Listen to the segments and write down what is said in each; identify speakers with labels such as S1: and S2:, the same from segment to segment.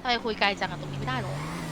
S1: ทำไมคุยไกลจังอะตรงนี้ไม่ได้หรอ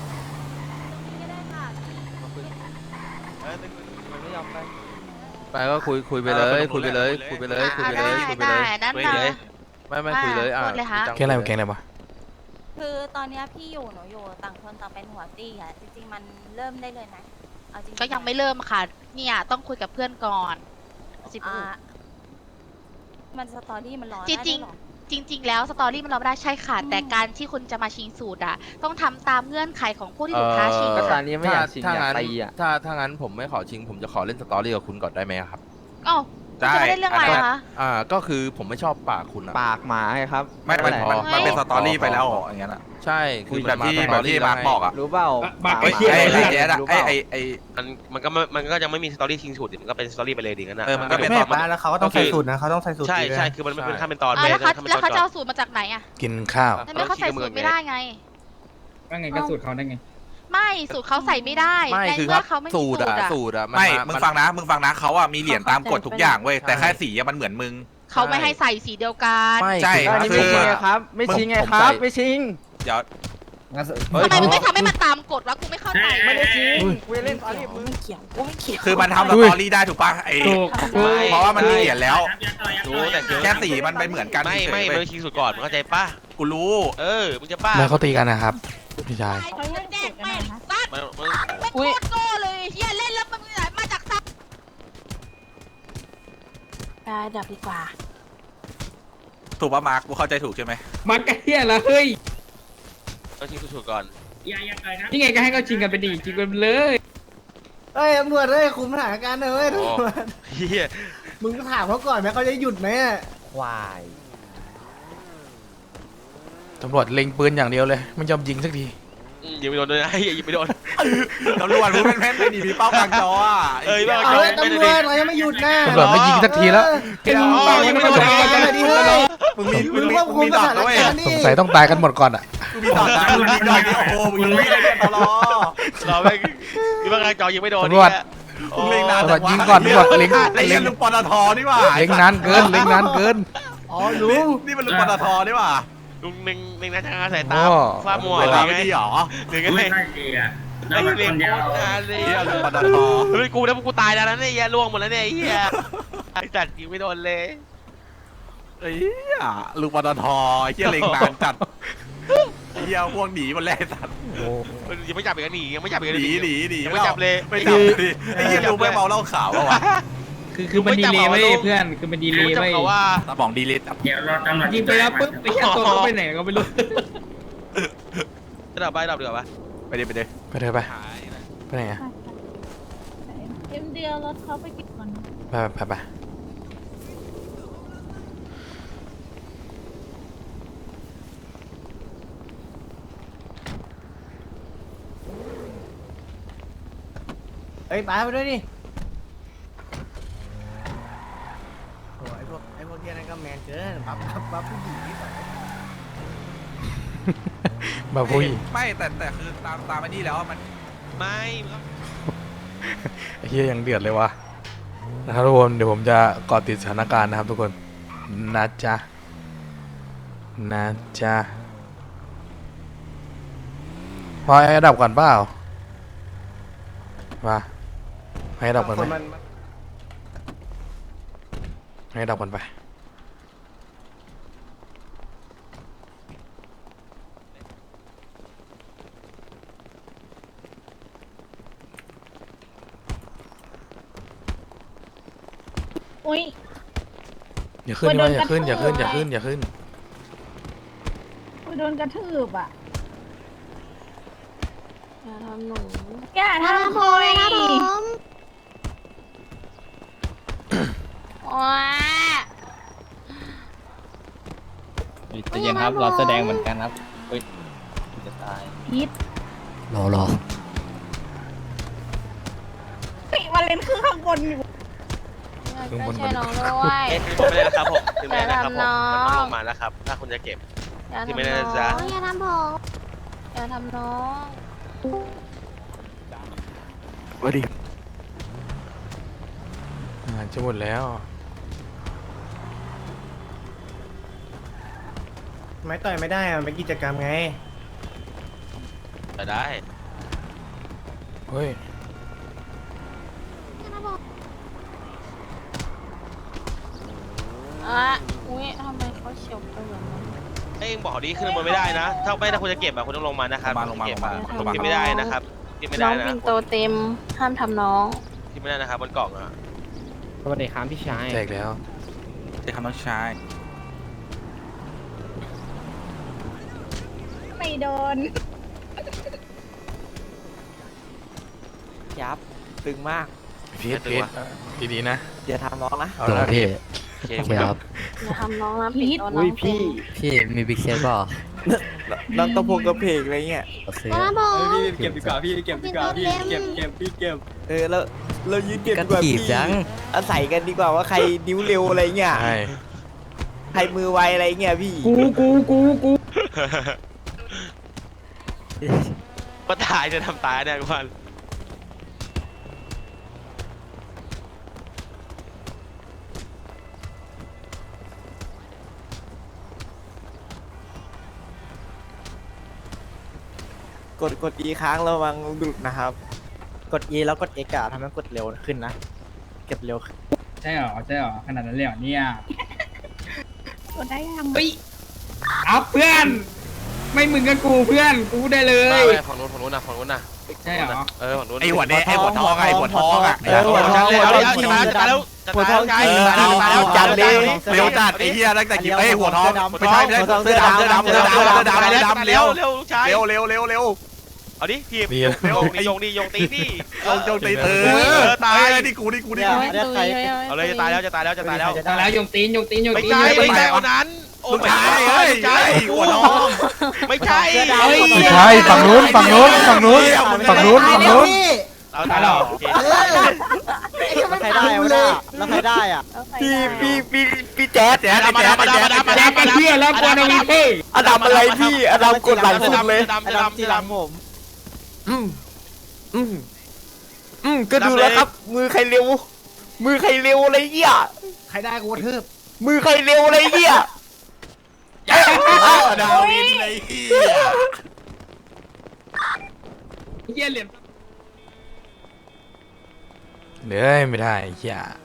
S2: มันไม่ยอมไป
S3: ไปก็คุยไปเลยคุยไปเลยคุยไปเลยคุยไปเลยคุยไปเลย
S1: นั่น
S3: คุย
S1: นะ
S3: เลยไม่คุยเลย
S1: พูดเลยค่ะ
S4: แกงอะไรวะแกงอะไรวะ
S5: คือตอนเนี้ยพี่อยู่หนูอยู่ต่างคนต่างเป็นหัวตี้อะจริงๆมันเริ่มได้เลยนะเอาจริงๆ
S1: ก็ยังไม่เริ่มค่ะเนี่ยต้องคุยกับเพื่อนก่อนสิ
S5: อ่ามันสตอรี่มันร้อน
S1: จริงๆจริง ๆ แล้วสตอรี่มันเราไม่ได้ใช่ค่ะแต่การที่คุณจะมาชิงสูตรอะต้องทำตามเงื่อนไขของผู้ที่ถูกท้าชิง
S2: ก็ตอนนี้ไม่อยากชิง
S3: ถ้า
S2: อยาก
S3: งั้น
S2: ตีอ่ะ
S3: ถ้างั้นผมไม่ขอชิงผมจะขอเล่นสตอรี่กับคุณก่อนได้ไหมครับ
S1: อ้าวคุณจะไม่ได้เรื่องอะไรคะ
S3: ก็คือผมไม่ชอบปากคุณอะ
S2: ปากหมาไงครับ
S6: ไม่มัน
S3: พอ
S6: มันเป็น
S3: พอ
S6: สตอรี่
S3: พอ
S6: ไปแล้ว
S3: พอ
S6: อย่างเงี้ยนะ
S3: ใช่คื
S6: คุ
S3: อย
S6: แบบที่
S3: น
S6: แบบที่
S3: สต
S6: มาร์คบอกอ่ะ
S2: รู้เปล่า
S7: มาร์ค
S2: ป
S7: ไอ้
S2: ห
S7: เหี้ย
S6: ไอ้แจ๊ดอะ
S2: รู้เป
S6: ไอ้
S2: ล่า
S8: มันก็ยังไม่มีสตอรี่ชิงสูตรดิมันก็เป็นสตอรี่ไปเลยดีงั้นนะ
S6: มันก็เป็น
S9: แม่ป้าแล้วเขาก็ต้องใส่สูตรนะเขาต้องใส่สูตร
S8: ใช่
S9: ดีด้วย
S8: ใช่คือมันเป็นขั้นเป็นตอน
S1: อ้าวแล้วเขา
S8: ขั้นเป็น
S1: แล้ว
S8: ต
S1: เขา
S8: อน
S1: จะเอาสูตรมาจากไหนอะ
S4: กินข้าว
S1: ทำไมเขาใส่สูตรไม่ได้ไง
S7: ว่าไงก็สูตรเขาได้ไง
S1: ไม่สูตรเขาใส่ไม่ได้
S3: ไม่
S1: ใน
S3: คือค
S1: เมื่
S3: รับ
S1: อเขาไม่มี
S3: สู
S1: สู
S3: ต
S1: ต
S3: ร
S1: ร
S3: อะ
S1: อะ
S3: สูตรอะ
S6: ไม่มึงฟังนะเขาอ่ะมีเหรียญตามกฎทุกอย่างเว้ยแต่แค่สีอะมันเหมือนมึง
S1: เขาไม่ให้ใส่สีเดียวกัน
S3: ไม่
S6: ใช่
S3: คือ
S2: อันนี้ไม่ชิงไงครับ ไม่ชิงไงครับ ไม่ชิง
S6: เดี๋ยว
S1: ทำไมมึงไม่ทำให้มันตามกฎวะกูไม่เข้าใจ
S2: ไม่ได้ชิงเวเล่นตอนนี้มึง
S6: คือมันทำสตอรี่ได้ถูกป่ะไอ้
S7: ถูก
S6: เพราะว่ามันมีเหรียญแล้ว
S8: รู้แต่เดี๋ยว
S6: แค่สีมันเป็นเหมือนกัน
S8: ไม่
S6: เฉ
S8: ไม่
S6: ยๆ
S8: มัน
S6: เว้ย
S8: ชิงสูตรก่อนมึงเข้าใจป่ะ
S6: กูรู้
S8: มึงจะป้า
S4: แล้วเขาตีกันนะครับพี่ชาย
S1: เขาจะแจ้งแม่งซัด
S8: มัน
S1: ไม่โคตรโง่เลยเฮียเล่นแล้วมันมาจากซัด
S5: ได้ดับดีกว่า
S6: ถูกป่ะมาร์คกูเข้าใจถูกใช่ไหม
S7: มาร์คไอ้เหี้ยละเฮ้ย
S8: ต้องชิงสูตรก่อน
S7: นี่ไงก็ให้เขาชิงกันไปดิชิงกันไปเลย
S9: เอ้ยตำรวจเอ้ยคุมสถานการณ์หน่อยเว้ยตำรวจ
S8: เฮีย
S9: มึงก็ถามเขาก่อนไหมเขาจะหยุดไหมอะ
S2: ควาย
S4: ตำรวจเล็งปืนอย่างเดียวเลยไม่ยอมยิงสักที
S8: ยิงไม่โดนด้วยนะยิงไม่โดน
S6: ตำรวจมึงเป็นแม่นไปดิมีเป้ากลางจออ่ะ
S8: บ้า
S9: เอาเลยตำรวจเรายังไม่หยุดนะ
S4: ตำรวจไม่ยิงสักทีแล้ว
S6: เดี๋ยว
S9: ยังไม่หยุดเลยดิเฮ้ย
S6: มึงมี
S9: มึงควบคุมสถานการณ์
S4: สงสัยต้องตายกันหมดก่อนอ่ะ
S6: มึงมีต่อจากมึงมีต่อที่โอ้โหมึงยังไม่ได้เรียนตลอ
S8: เราไม่มีบางการจอยิงไม่โดน
S4: ตำรวจ
S6: มึงเล็งนาน
S4: ตำรวจยิงก่อนตำรวจเล็ง
S6: ไอ้เล็งลุงปตทนี่หว่า
S4: เล็งนานเกินเล็งนานเกิน
S9: อ๋อรู้
S6: นี่มันลุงปตทนี่หว่า
S8: ลุงหนึ่งนะทางอาสายตา
S4: โอ้
S8: ฟ้ามัว
S6: เว
S8: อะไร
S6: ลา
S8: ไง
S6: ไม่ดีหรอ
S8: หนึ่งไงไอ้เรียนโคตรนานเลย
S6: เฮียลุงปตท
S8: เฮ้ยกูแล้วกูตายแล้วนะเนี่ยเฮียล่วงหมดแล้วเนี่ยไอ้เฮียไอ้สัตว์ยิงไม่โดนเลย
S6: เฮียลุงปตทเฮียเล็งนานจัดเฮียพวกหนีหมดแล้วสัตว์
S8: ยังไม่จับอีกหนียังไม่จับอีก
S6: หนีหนี
S8: ยังไม่จับเลย
S6: ไม่จับดิไอ้เฮียลุงไม่เมาเหล้าขาววะ
S7: คือมันดีเลยเว้ยเพื่อนคือมันดีเลย
S8: จับ
S7: เว้ย
S8: เขาว่า
S6: ตาบองดีลิท
S7: ยิงไปแล้วปุ๊บไอ้เหี้ยตัวเขาไปไหนก็ไม่รู้
S8: จะดับไปดับเดือดปะ
S6: ไปดิ
S4: ไปเถอะไปไปไหนอะ
S5: เดียวรถเขาไปกินก่อน
S4: ไป
S9: เอ้ยป้าไปด้วยดิโอ้ไอ้พวกเที่ยนั่นก็แมนเกินปั๊บผู้หญิงที่ใส่
S4: บาปุ้ย
S6: ไม่แต่คือตามอันนี้แล้วมัน
S8: ไม่
S4: ไอ้เฮียยังเดือดเลยวะนะครับทุกคนเดี๋ยวผมจะเกาะติดสถานการณ์นะครับทุกคนนะจ๊ะพอให้ดับก่อนเปล่ามาให้ดับก่อนไหมให้ดับก่อนไป
S5: อุ้ย
S4: อย่าขึ้นนะอย่าขึ้น
S5: โดนกระทืบ
S4: อย่าขึ้น
S5: โดนกระทืบอ่ะอย่าทำหนูอย่าทำผมครับผมว้า
S2: ใจเย็นครับเราแสดงเหมือนกันครับเฮ้ยจะตาย
S5: พิษ
S4: รอ
S5: วาเลนคือข้างบนอยู่
S4: ข้างบน
S5: ช่วยน้องด้วย
S8: ไม่ได้นะครับผมถึงไม่ได้นะครับผม
S5: อย่าทำน้อง
S8: มันต้องลงมาแล้วครับ ถ้าคุณจะเก็บ
S5: อย่า
S8: ที่
S5: ทำ
S8: ไม่ได้
S5: น้อ
S8: นะจ๊ะ
S5: งอย่าทำผมอย่าทำน้อง
S4: จะหมดแล้ว
S9: ไม่ต่อยไม่ได้อะมันเป็นกิจกรรมไง
S8: ได้
S4: เฮ้ย
S5: อุ้ยทำไมเขาเฉียวไปแบบนั้น
S8: เอ้ยบอกดีขึ้นมันไม่ได้นะถ้าไม่ถ้าคุณจะเก็บอะคุณต้องลงมานะครับ
S6: ลงมา
S8: เก็บ
S6: ลงมา
S8: อะ
S6: ลงมา
S8: กินไม่ได้นะครับกินไม่
S5: น้
S8: ได้
S5: อง
S8: นะ
S5: ปินโตเต็มห้ามทำน้อง
S8: กินไม่ได้นะครับบนกล่องอะ
S2: สวัสดีครับพี่ชาย
S4: แจกแล้ว
S6: เด็กคำน้องชาย
S5: ไม่โดน
S9: ยับตึงมาก
S4: พีทดีๆนะ
S9: เดี๋ยวทำน้องนะ
S4: เอาละพี่
S8: โอเค
S5: อย่าทำน้องนะปิดโตน้องเป็น
S2: พี่มีบิ๊กเซตป่ะ
S9: น้องตะพงกระเพกอะไรเงี้ย
S2: ซื้อพี่เก็บดีกว่าพี่เก็บดีกว่าพี่เก็บพี่เก็บ
S9: แล้วเรายืนเก็บดีกว่าพี่อาศัยกันดีกว่าว่าใครนิ้วเร็วอะไรเงี้ย
S4: ใช่
S9: ใครมือไวอะไรเงี้ยพี่
S7: กู
S8: ก็ตายจะทำตายเนี่ยทุกคน
S9: กด E ค้างระวังดุดนะครับ กด E แล้วกด X อะทำให้กดเร็วขึ้นนะ เก็บเร็วขึ้น
S7: ใช่หรอขนาดนั้นเลยเหรอเนี่ย
S5: กดได้ยัง
S7: เฮ้ยเอาเพื่อน ไม่มึงกับกูเพื่อนกูได้เลย
S8: ไม่ฝั่งนู้นนะฝั่งนู้นนะ
S7: ใช่เหรอ
S8: ฝั่งนู้น
S6: ไอหัวเนี่ยไอหัวทองไอหัวทองอะ
S8: หัวทองเอาแล้วจะตายแล้วจะตายแล้วกายจะตายแล้ว
S6: จัดเลยเร็วจัดไอเฮียตั้งแต่กี่ไอหัวทองไม่ใช่เสื้อดำเร็ว
S8: เร็วลูกชาย
S6: เร็ว
S8: เอาดิทีบ
S4: ดี
S8: ยงตีนี่
S6: จงตีตายนี่กู
S8: เอาเลยจะตายแล้วจะตายแล้ว
S7: แล้วยงตีน
S8: ไม่ใช่วันนั้นโอ้
S6: ลูก
S8: ไม่
S6: ชาย
S8: ใช่
S6: หัวทอง
S8: ไม่ใช่
S4: ไม่ใช่ฝั่งนู้นเอาตายแล้ว
S8: โอเค
S9: แล้วใครได้วะเนี่ยแล้วใครได้อ่ะ
S6: พี่แจ๊ด
S7: มาดามกันเพื่อนแล้วกวนเอาวีเพ่
S9: อดัมอะไรพี่อดัมกดหลังสุดเลย
S8: ดำ
S9: อดัมจีหลังผมก็ดูแล้วครับ มือใครเร็วอะไรเงี้ย
S2: ใครได้กูกระทืบ
S9: มือใครเร็วอะไรเงี้ย
S6: ดาวินเลยเฮีย
S7: เยี่ยเหรียญ
S4: เดี๋ยวไม่ได้ไอ้เหี้ย